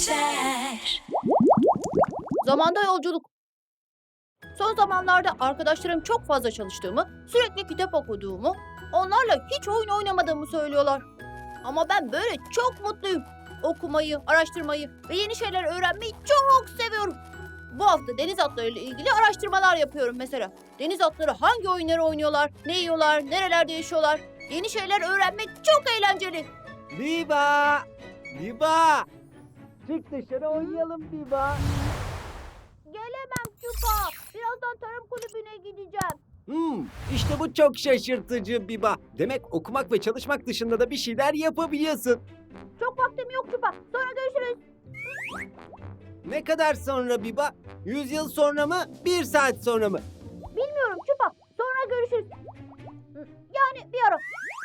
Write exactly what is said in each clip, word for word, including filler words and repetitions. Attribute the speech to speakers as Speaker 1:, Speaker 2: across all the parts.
Speaker 1: geçer.
Speaker 2: Zamanda yolculuk. Son zamanlarda arkadaşlarım çok fazla çalıştığımı, sürekli kitap okuduğumu, onlarla hiç oyun oynamadığımı söylüyorlar. Ama ben böyle çok mutluyum. Okumayı, araştırmayı ve yeni şeyler öğrenmeyi çok seviyorum. Bu hafta deniz atlarıyla ilgili araştırmalar yapıyorum mesela. Deniz atları hangi oyunları oynuyorlar, ne yiyorlar, nerelerde yaşıyorlar? Yeni şeyler öğrenmek çok eğlenceli.
Speaker 3: Biba! Biba! Çık dışarı oynayalım Biba.
Speaker 2: Gelemem Çupa. Birazdan tarım kulübüne gideceğim.
Speaker 3: Hmm, işte bu çok şaşırtıcı Biba. Demek okumak ve çalışmak dışında da bir şeyler yapabiliyorsun.
Speaker 2: Çok vaktim yok Çupa. Sonra görüşürüz.
Speaker 3: Ne kadar sonra Biba? Yüz yıl sonra mı? Bir saat sonra mı?
Speaker 2: Bilmiyorum Çupa. Sonra görüşürüz. Yani bir ara.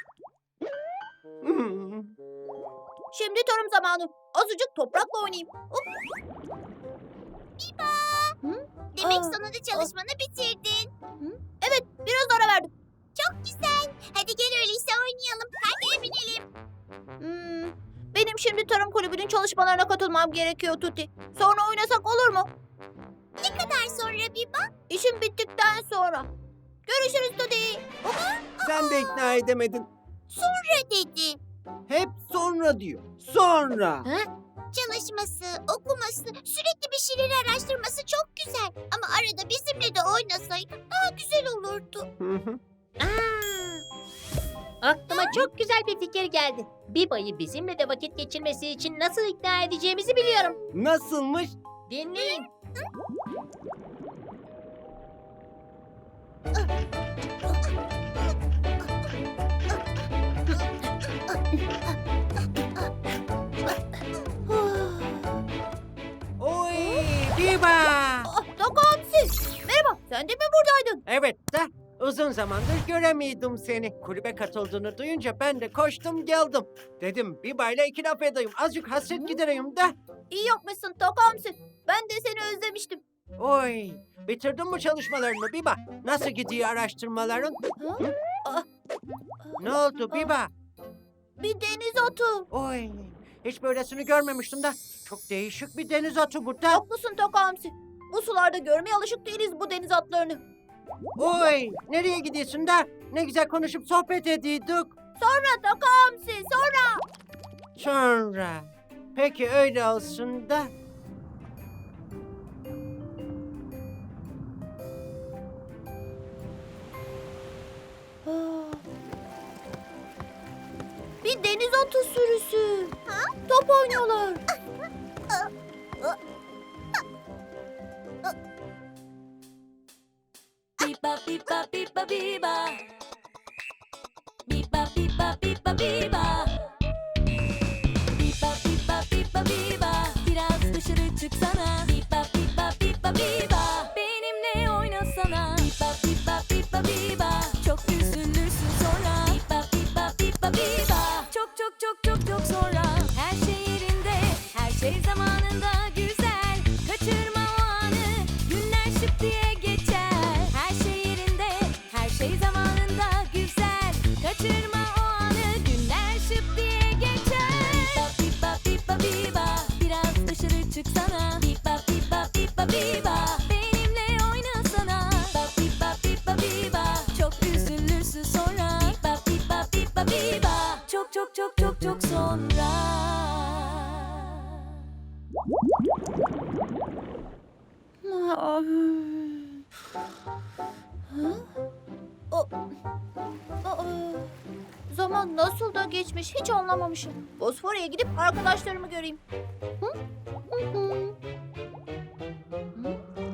Speaker 3: Hmm.
Speaker 2: Şimdi tarım zamanı. Azıcık toprakla oynayayım. Hop.
Speaker 4: Demek
Speaker 2: Aa,
Speaker 4: sonunda çalışmanı bitirdin.
Speaker 2: Evet, biraz ara verdim.
Speaker 4: Çok güzel. Hadi gel öyleyse oynayalım. Hadi binelim.
Speaker 2: Hmm, benim şimdi tarım kulübünün çalışmalarına katılmam gerekiyor Tuti. Sonra oynasak olur mu?
Speaker 4: Ne kadar sonra Biba?
Speaker 2: İşim bittikten sonra. Görüşürüz Tuti.
Speaker 3: Sen de ikna edemedin.
Speaker 4: Sonra dedi.
Speaker 3: Hep sonra diyor. Sonra.
Speaker 4: Çalışması, okuması, sürekli bir şeyleri araştırması çok güzel. Ama arada bizimle de oynasaydı daha güzel olurdu.
Speaker 3: Hı hı.
Speaker 5: Aklıma çok güzel bir fikir geldi. Biba'yı bizimle de vakit geçirmesi için nasıl ikna edeceğimizi biliyorum.
Speaker 3: Nasılmış?
Speaker 5: Dinleyin.
Speaker 3: Oy Biba!
Speaker 2: Ah, Takamsi. Merhaba, sen de mi buradaydın?
Speaker 3: Evet de uzun zamandır göremiyordum seni. Kulübe katıldığını duyunca ben de koştum geldim. Dedim Biba ile iki laf edeyim. Azıcık hasret gidereyim de.
Speaker 2: İyi yapmışsın Takamsi. Ben de seni özlemiştim.
Speaker 3: Oy bitirdin mi çalışmalarını Biba? Nasıl gidiyor araştırmaların?
Speaker 2: Ha?
Speaker 3: Hı?
Speaker 2: Ah,
Speaker 3: Ne oldu Biba?
Speaker 2: bir deniz atı.
Speaker 3: Oy hiç böylesini görmemiştim de. Çok değişik bir deniz atı bu da.
Speaker 2: Haklısın Takamsi. Bu sularda görmeye alışık değiliz bu deniz atlarını.
Speaker 3: Oy nereye gidiyorsun da? Ne güzel konuşup sohbet ediyorduk.
Speaker 2: Sonra Takamsi, sonra.
Speaker 3: Sonra. Peki öyle olsun da.
Speaker 2: Ah. Bir deniz atı sürüsü. Ha? Top oynuyorlar.
Speaker 1: Biba biba biba biba. Biba biba biba biba. Biba biba biba biba. Biraz dışarı çıksana. Biba biba biba biba. Benimle oynasana. Biba biba biba biba. Çok üzülürsün sonra. Biba biba biba biba. Çok çok çok çok çok sonra. Her şey yerinde, her şey zamanında güzel. Kaçırma o anı, günler şıp diye geçer. Her şey yerinde, her şey zamanında güzel. Kaçırma o anı, günler şıp diye geçer. Biba biba biba biba, biraz dışarı çıksana. Biba biba biba biba, benimle oynasana. Biba biba biba biba, çok üzülürsün sonra. Biba biba biba biba, çok çok çok çok çok sonra.
Speaker 2: Ah. Ha? O- Aa, zaman nasıl da geçmiş hiç anlamamışım. Bosfor'a gidip arkadaşlarımı göreyim. Hı? Hı hı. Hı?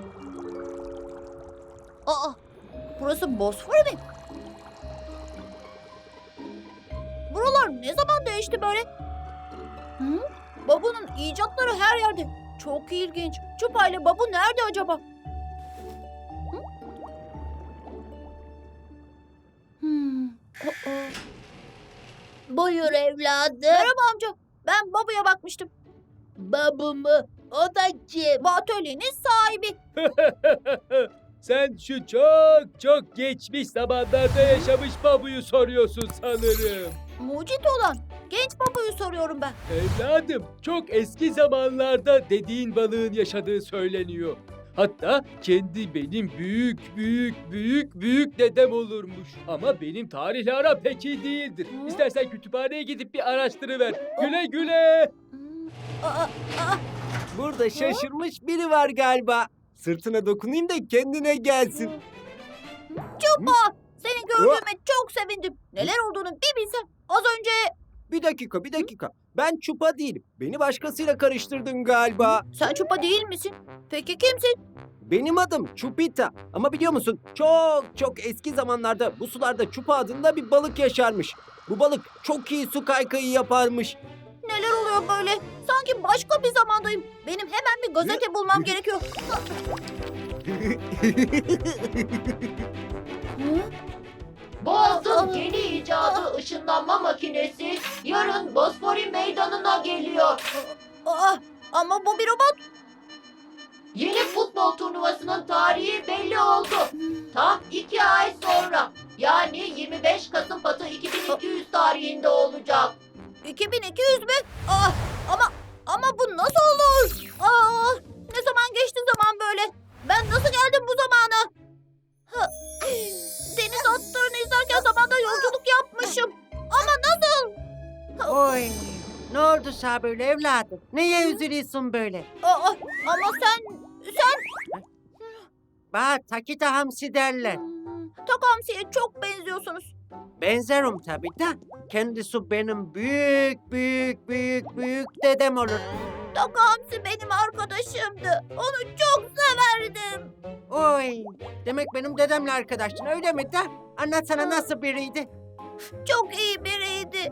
Speaker 2: Aa, burası Bosfor mi? Buralar ne zaman değişti böyle? Hı? Babu'nun icatları her yerde. Çok ilginç. Çupa ile Babu nerede acaba? Hı? Hmm. aa.
Speaker 5: Buyur evladım.
Speaker 2: Merhaba amca. Ben Babu'ya bakmıştım.
Speaker 5: Babu mu? O da kim?
Speaker 2: Bu atölyenin sahibi.
Speaker 6: Sen şu çok çok geçmiş zamanlarda yaşamış babuyu soruyorsun sanırım.
Speaker 2: Mucit olan. Genç babayı soruyorum ben.
Speaker 6: Evladım, çok eski zamanlarda dediğin balığın yaşadığı söyleniyor. Hatta kendi benim büyük büyük büyük büyük dedem olurmuş. Ama benim tarihle aram pek iyi değildir.
Speaker 2: Hı?
Speaker 6: İstersen kütüphaneye gidip bir araştırıver. Güle güle.
Speaker 2: Hmm, Aa, aa,
Speaker 3: Burada şaşırmış biri var galiba. Sırtına dokunayım da kendine gelsin.
Speaker 2: Çupa! Seni gördüğüme çok sevindim. Neler olduğunu bir bilsem. Az önce...
Speaker 3: Bir dakika, bir dakika. Ben Çupa değilim. Beni başkasıyla karıştırdın galiba.
Speaker 2: Sen Çupa değil misin? Peki kimsin?
Speaker 3: Benim adım Çupita. Ama biliyor musun? Çok çok eski zamanlarda bu sularda Çupa adında bir balık yaşarmış. Bu balık çok iyi su kaykayı yaparmış.
Speaker 2: Neler oluyor böyle? Sanki başka bir zamandayım. Benim hemen bir gazete bulmam gerekiyor. Hı?
Speaker 5: Boğaz'ın yeni icadı ışınlanma makinesi yarın Bosfori meydanına geliyor.
Speaker 2: Aa, ama bu bir robot.
Speaker 5: Yeni futbol turnuvasının tarihi belli oldu. Tam iki ay sonra yani yirmi beş Kasım Batı iki bin iki yüz tarihinde olacak.
Speaker 2: iki bin iki yüz mü? Aa, ama ama bu nasıl olur? Aa, ne zaman geçti zaman böyle? Ben nasıl geldim bu zamana? Ha, deniz atlarını izlerken zamanda yolculuk yapmışım. Ama nasıl?
Speaker 3: Oy. Ne oldu sana böyle evladım? Neye üzülüyorsun böyle?
Speaker 2: Aa, ama sen, sen...
Speaker 3: Bak Takita Hamsi derler.
Speaker 2: Hmm, Takamsi'ye çok benziyorsunuz.
Speaker 3: Benzerim tabii de. Kendisi benim büyük büyük büyük büyük dedem olur.
Speaker 2: Takamsi benim arkadaşımdı. Onu çok severdim.
Speaker 3: Oy. Demek benim dedemle arkadaştın öyle mi de? Anlatsana nasıl biriydi?
Speaker 2: Çok iyi biriydi.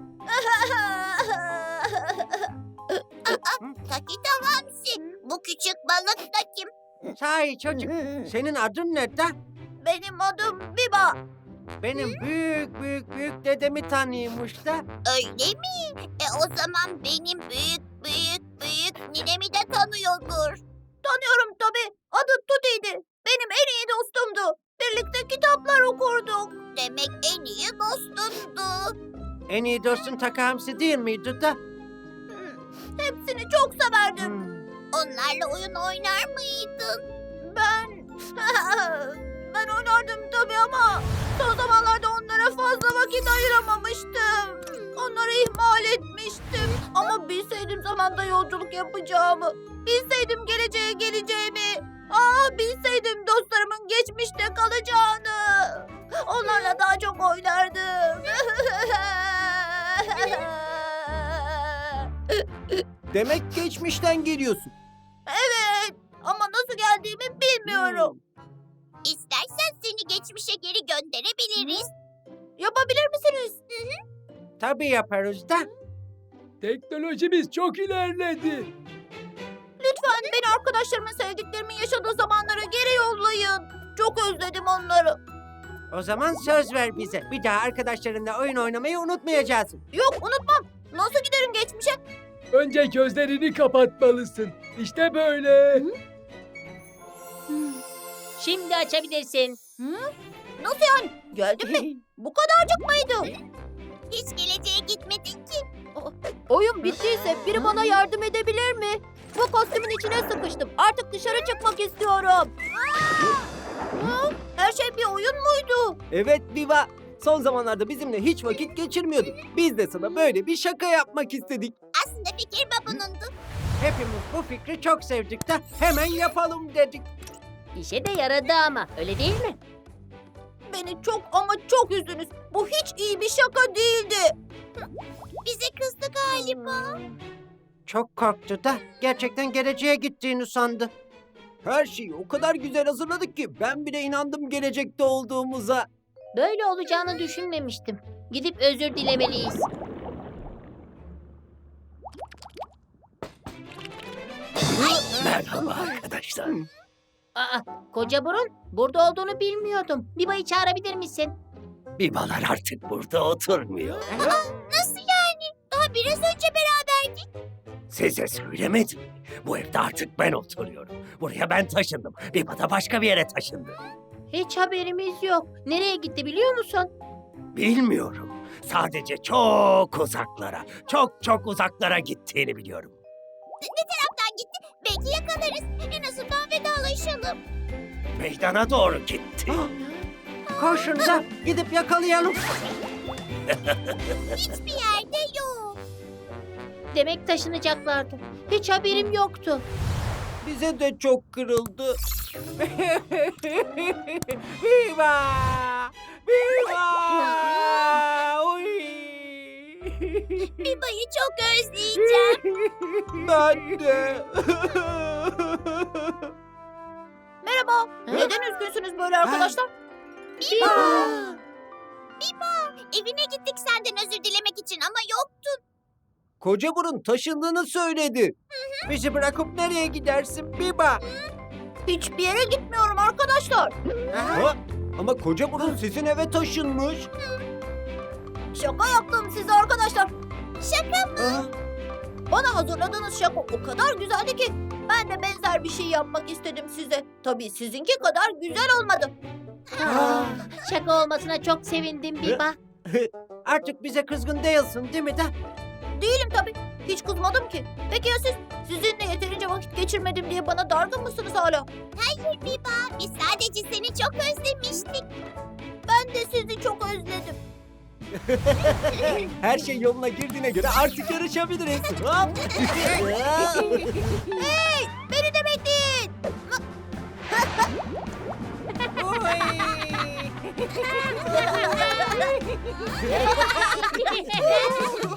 Speaker 4: Takita Hamsi. Bu küçük balık da kim?
Speaker 3: Sahi çocuk. Senin adın ne de?
Speaker 2: Benim adım Biba.
Speaker 3: Benim büyük büyük büyük dedemi tanıyormuş da.
Speaker 4: Öyle mi? E o zaman benim büyük büyük büyük ninemi de tanıyordur.
Speaker 2: Tanıyorum tabii. Adı Tuti'ydi. Benim en iyi dostumdu. Birlikte kitaplar okurduk.
Speaker 4: Demek en iyi dostundu.
Speaker 3: En iyi dostun Taka Hamsi değil miydi da?
Speaker 2: Hmm, Hepsini çok severdim.
Speaker 3: Hmm.
Speaker 4: Onlarla oyun oynar mıydın?
Speaker 2: Ben... ben oynardım tabii ama son zamanlarda onlara fazla vakit ayıramamıştım. Onları ihmal etmiştim. Ama bilseydim zamanda yolculuk yapacağımı, bilseydim geleceğe geleceğimi, ah bilseydim dostlarımın geçmişte kalacağını, onlarla daha çok oynardım.
Speaker 3: Demek geçmişten geliyorsun.
Speaker 2: Evet, ama nasıl geldiğimi bilmiyorum.
Speaker 4: İstersen seni geçmişe geri gönderebiliriz.
Speaker 2: Yapabilir misiniz?
Speaker 3: Tabii yaparız da.
Speaker 6: Teknolojimiz çok ilerledi.
Speaker 2: Lütfen beni arkadaşlarımın sevdiklerimin yaşadığı zamanlara geri yollayın. Çok özledim onları.
Speaker 3: O zaman söz ver bize. Bir daha arkadaşlarınla oyun oynamayı unutmayacaksın.
Speaker 2: Yok unutmam. Nasıl giderim geçmişe?
Speaker 6: Önce gözlerini kapatmalısın. İşte böyle.
Speaker 5: Şimdi açabilirsin.
Speaker 2: Nasıl yani? Geldim mi? Bu kadarcık mıydı?
Speaker 4: Hiç geleceğe gitmedin ki.
Speaker 2: Oyun bittiyse biri bana yardım edebilir mi? Bu kostümün içine sıkıştım. Artık dışarı çıkmak istiyorum. Hı? Her şey bir oyun muydu?
Speaker 3: Evet Viva. Son zamanlarda bizimle hiç vakit geçirmiyordun. Biz de sana böyle bir şaka yapmak istedik.
Speaker 4: Aslında fikir babunundu.
Speaker 3: Hepimiz bu fikri çok sevdik de hemen yapalım dedik.
Speaker 5: İşe de yaradı ama öyle değil mi?
Speaker 2: Beni çok ama çok üzdünüz. Bu hiç iyi bir şaka değildi.
Speaker 4: Bize kızdı galiba.
Speaker 3: Çok korktu da gerçekten geleceğe gittiğini sandı. Her şeyi o kadar güzel hazırladık ki ben bile inandım gelecekte olduğumuza.
Speaker 5: Böyle olacağını düşünmemiştim. Gidip özür dilemeliyiz.
Speaker 7: Merhaba arkadaşlar.
Speaker 5: Aa, koca burun burada olduğunu bilmiyordum. Biba'yı çağırabilir misin?
Speaker 7: Bibalar artık burada oturmuyor.
Speaker 4: Nasıl yani? Daha biraz önce beraberdik.
Speaker 7: Size söylemedim. Bu evde artık ben oturuyorum. Buraya ben taşındım. Biba da başka bir yere taşındı.
Speaker 5: Hiç haberimiz yok. Nereye gitti biliyor musun?
Speaker 7: Bilmiyorum. Sadece çok uzaklara, çok çok uzaklara gittiğini biliyorum.
Speaker 4: Kaptan gitti. Belki yakalarız. En azından vedalaşalım.
Speaker 7: Meydana doğru gitti.
Speaker 3: Koşun da gidip yakalayalım.
Speaker 4: Hiçbir yerde yok.
Speaker 2: Demek taşınacaklardı. Hiç haberim yoktu.
Speaker 3: Bize de çok kırıldı. Viva! Viva! Oy!
Speaker 4: Biba'yı çok özleyeceğim.
Speaker 3: Ben de.
Speaker 2: Merhaba. Neden üzgünsünüz böyle arkadaşlar?
Speaker 4: Biba. Biba. Evine gittik senden özür dilemek için ama yoktun.
Speaker 3: Koca burun taşındığını söyledi. Bizi bırakıp nereye gidersin Biba?
Speaker 2: Hiçbir yere gitmiyorum arkadaşlar.
Speaker 3: Ha? Ama koca burun sizin eve taşınmış.
Speaker 2: Şaka yaptım size arkadaşlar.
Speaker 4: Şaka mı?
Speaker 3: Ha?
Speaker 2: Bana hazırladığınız şaka o kadar güzeldi ki ben de benzer bir şey yapmak istedim size. Tabii sizinki kadar güzel olmadı.
Speaker 3: Ah.
Speaker 2: Şaka olmasına çok sevindim Biba.
Speaker 3: Artık bize kızgın değilsin değil mi de?
Speaker 2: Değilim tabii. Hiç kızmadım ki. Peki ya siz? Sizinle yeterince vakit geçirmedim diye bana dargın mısınız hala?
Speaker 4: Hayır Biba. Biz sadece seni çok özlemiştik.
Speaker 2: Ben de sizi çok özledim.
Speaker 3: Her şey yoluna girdiğine göre artık yarışabiliriz. Hop.
Speaker 2: Hey! Beni de bekleyin.
Speaker 3: Oy.